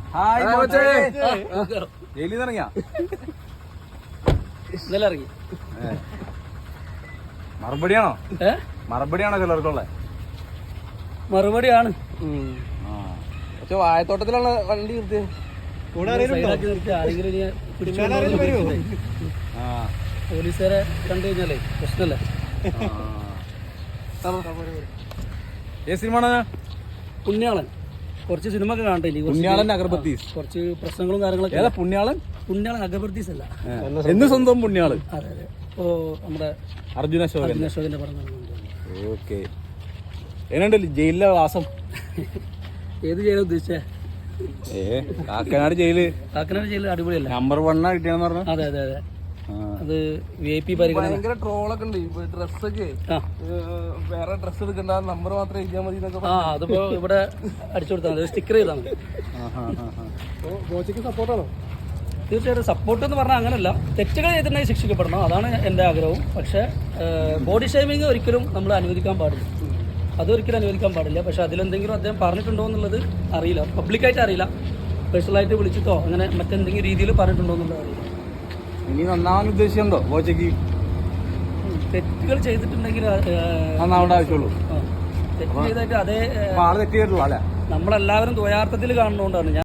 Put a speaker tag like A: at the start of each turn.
A: ജയിലിൽ ഇറങ്ങിയ
B: ഇന്നലെ ഇറങ്ങി.
A: മറുപടിയാണോ ചിലർക്കുള്ള
B: മറുപടിയാണ്.
A: പക്ഷെ വാഴത്തോട്ടത്തിലുള്ള വണ്ടി നിർത്തിയ
B: പോലീസുകാരെ കണ്ടു കഴിഞ്ഞാലേ പ്രശ്നമല്ലേ.
A: സിനിമ
B: പുണ്യാളൻ കുറച്ച് സിനിമ ഒക്കെ കാണട്ടെ.
A: പുണ്യാളൻ അഗർബത്തീസ്
B: കുറച്ച് പ്രശ്നങ്ങളും കാര്യങ്ങളൊക്കെ. പുണ്യാളൻ അഗർബത്തീസ് അല്ല,
A: എന്ന് സ്വന്തം പുണ്യാളൻ.
B: അതെ അതെ. ഓ നമ്മുടെ
A: അർജുന
B: അശോകന്റെ പടം.
A: ഓക്കെ, എന്നുണ്ട് ജയിലിലെ വാസം?
B: ഏത് ജയിലാണ് ഉദ്ദേശിച്ചേ?
A: കാക്കനാട് ജയില്
B: അടിപൊളിയല്ലേ?
A: നമ്പർ 1 കിട്ടിയെന്ന് പറഞ്ഞു.
B: അതെ അതെ അതെ. അത് VIP പരിഗണന.
C: ഭയങ്കര ട്രോളൊക്കെ ഉണ്ട്. ഡ്രസ്സൊക്കെ വേറെ ഡ്രസ്സ് എടുക്കണ്ട, നമ്പർ മാത്രം എഴുതിയാൽ മതി എന്നൊക്കെ.
B: അതിപ്പോ ഇവിടെ അടിച്ചു കൊടുത്താൽ മതി, സ്റ്റിക്കർ ചെയ്താൽ മതി.
C: കോച്ചിക്ക് സപ്പോർട്ടാണോ?
B: തീർച്ചയായിട്ടും സപ്പോർട്ട് എന്ന് പറഞ്ഞാൽ അങ്ങനല്ല, തെറ്റുകൾ ചെയ്തിട്ടുണ്ടെങ്കിൽ ശിക്ഷിക്കപ്പെടണം, അതാണ് എൻ്റെ ആഗ്രഹവും. പക്ഷേ ബോഡി ഷേമിങ് ഒരിക്കലും നമ്മൾ അനുവദിക്കാൻ പാടില്ല, അതൊരിക്കലും അനുവദിക്കാൻ പാടില്ല. പക്ഷെ അതിലെന്തെങ്കിലും അദ്ദേഹം പറഞ്ഞിട്ടുണ്ടോ എന്നുള്ളത് അറിയില്ല, പബ്ലിക്കായിട്ട് അറിയില്ല. പേഴ്സണലായിട്ട് വിളിച്ചിട്ടോ അങ്ങനെ മറ്റെന്തെങ്കിലും രീതിയിൽ പറഞ്ഞിട്ടുണ്ടോ എന്നുള്ളത് അറിയില്ല.
A: ഇനി നന്നാവാൻ ഉദ്ദേശിച്ചുണ്ടോ കോച്ചയ്ക്ക്?
B: തെറ്റുകൾ ചെയ്തിട്ടുണ്ടെങ്കിൽ
A: നന്നാവേണ്ട ആവശ്യമുള്ളൂ.
B: തെറ്റ് ചെയ്തിട്ട് അതേ
A: തെറ്റ് ചെയ്തിട്ടുള്ളൂ അല്ലേ?
B: നമ്മളെല്ലാവരും ദ്വയാർത്ഥത്തിൽ കാണുന്നതുകൊണ്ടാണ് ഞാൻ